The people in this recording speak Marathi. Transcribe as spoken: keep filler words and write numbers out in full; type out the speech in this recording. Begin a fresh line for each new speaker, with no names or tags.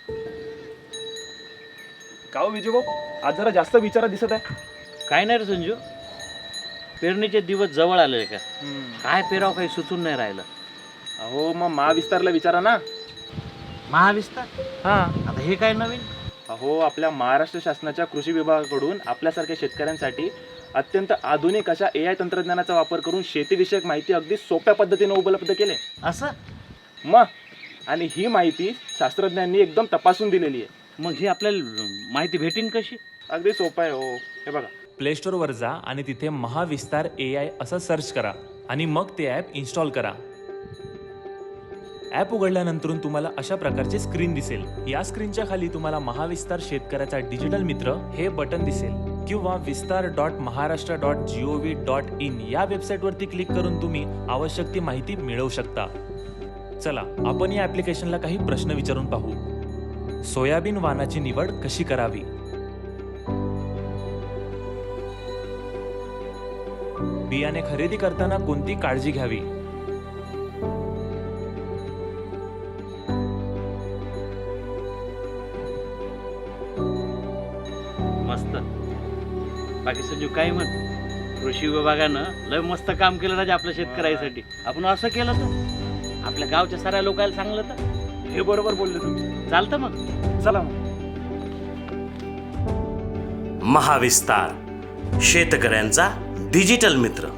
का हो विजू भाऊ, आज जरा जास्त विचारात दिसत आहे.
काय नाही रे संजू, पेरणीचे दिवस जवळ आले का? काय पेराव काही सुचून नाही राहिलं.
अहो मग महाविस्तारला विचारा ना.
महाविस्तार?
हा.
आता हे काय नवीन?
अहो आपल्या महाराष्ट्र शासनाच्या कृषी विभागाकडून आपल्यासारख्या शेतकऱ्यांसाठी अत्यंत आधुनिक अशा ए आय तंत्रज्ञानाचा वापर करून शेतीविषयक माहिती अगदी सोप्या पद्धतीने उपलब्ध केले.
असं?
मग आणि ही माहिती शास्त्रज्ञांनी एकदम तपासून दिलेली आहे.
मग ही आपल्याला माहिती भेटेन कशी?
अगदी सोपं आहे हो. हे बघा,
प्ले स्टोअरवर जा आणि तिथे महाविस्तार ए आय असं सर्च करा आणि मग ते ॲप इन्स्टॉल करा. ॲप उघडल्यानंतर तुम्हाला अशा प्रकारची स्क्रीन दिसेल. या स्क्रीनच्या खाली तुम्हाला महाविस्तार शेतकऱ्याचा डिजिटल मित्र हे बटन दिसेल किंवा Vistar dot Maharashtra dot G O V dot in या वेबसाईटवरती क्लिक करून तुम्ही आवश्यक ती माहिती मिळवू शकता. चला आपण या ॲप्लिकेशनला काही प्रश्न विचारून पाहू. सोयाबीन वाणाची निवड कशी करावी? बियाणे खरेदी करताना कोणती काळजी घ्यावी?
मस्त. बाकी संजू काय म्हण, कृषी विभागानं लय मस्त काम केलं राजा आपल्या शेतकऱ्यासाठी. आपण असं केलं तर आपल्या गावच्या साऱ्या लोकांना सांगलं तर
हे बरोबर बोलले तुम्ही.
चालतं. मग
चला मग.
महाविस्तार शेतकऱ्यांचा डिजिटल मित्र.